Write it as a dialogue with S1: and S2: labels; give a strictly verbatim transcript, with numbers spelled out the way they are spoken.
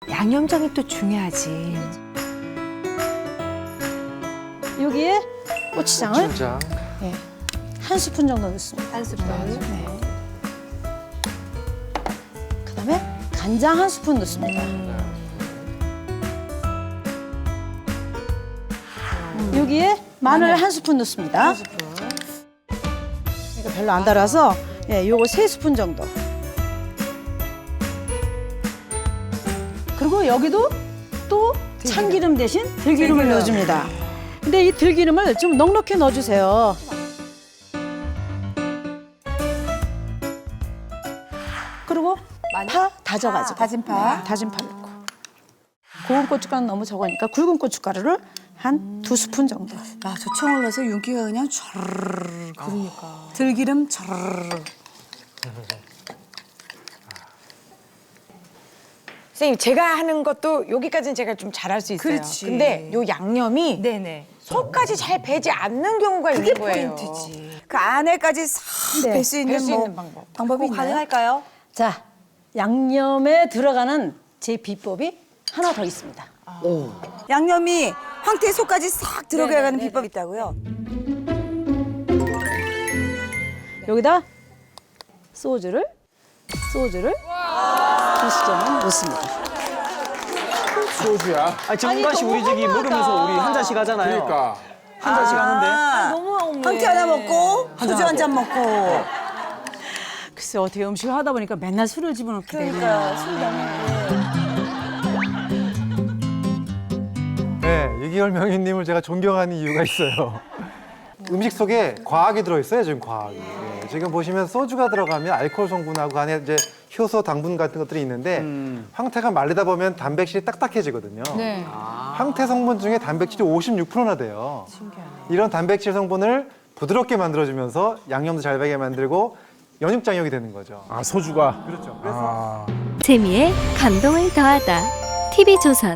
S1: 양념장이 또 중요하지.
S2: 여기에 고추장을
S3: 고추장.
S2: 네, 한 스푼 정도 넣습니다.
S1: 한 스푼.
S2: 네. 그다음에 간장 한 스푼 넣습니다. 여기에 마늘, 한 스푼 넣습니다. 이거 별로 안 달아서 예, 요거 세 스푼 정도. 그리고 여기도 또 참기름 대신 들기름을
S1: 들기름.
S2: 넣어줍니다. 근데 이 들기름을 좀 넉넉히 넣어주세요. 그리고 파 다져가지고
S1: 다진 파.
S2: 네, 다진 파 넣고 고운 고춧가루 너무 적으니까 굵은 고춧가루를 한 두 스푼 정도.
S4: 아, 저 청을 넣어서 윤기가 그냥 촤르르. 그러니까. 들기름 촤르르.
S5: 선생님 제가 하는 것도 여기까지는 제가 좀 잘할 수 있어요.
S4: 그렇지.
S5: 근데 요 양념이
S1: 네네.
S5: 속까지 잘 배지 않는 경우가 있는 거예요.
S4: 포인트지. 그 안에까지 싹
S2: 네,
S4: 뺄 수 있는,
S5: 뺄수
S4: 뭐
S5: 있는 방법.
S4: 방법이 있나요?
S1: 가능할까요?
S2: 자, 양념에 들어가는 제 비법이 하나 더 있습니다.
S4: 양념이 황태 속까지 싹 들어가는 비법이 있다고요?
S2: 여기다 소주를 소주를 두 수저만 넣습니다.
S3: 소주야.
S6: 아니 전문가씨 우리 저기 먹으면서 우리 한 잔씩 하잖아요.
S3: 그러니까.
S6: 한 잔씩 하는데.
S4: 아,
S1: 너무 너무해.
S4: 황태 하나 먹고 소주 한 잔 먹고.
S2: 글쎄 어떻게 음식을 하다 보니까 맨날 술을 집어넣게 되냐.
S4: 그러니까 술 너무.
S7: 네, 유기열 명인님을 제가 존경하는 이유가 있어요. 음식 속에 과학이 들어있어요, 지금 과학이. 네, 지금 보시면 소주가 들어가면 알코올 성분하고 안에 이제 효소, 당분 같은 것들이 있는데 황태가 말리다 보면 단백질이 딱딱해지거든요. 황태 성분 중에 단백질이 오십육 퍼센트나 돼요. 이런 단백질 성분을 부드럽게 만들어주면서 양념도 잘 배게 만들고 연육장력이 되는 거죠.
S3: 아, 소주가.
S7: 그렇죠. 그래서
S8: 재미에 감동을 더하다. 티비조선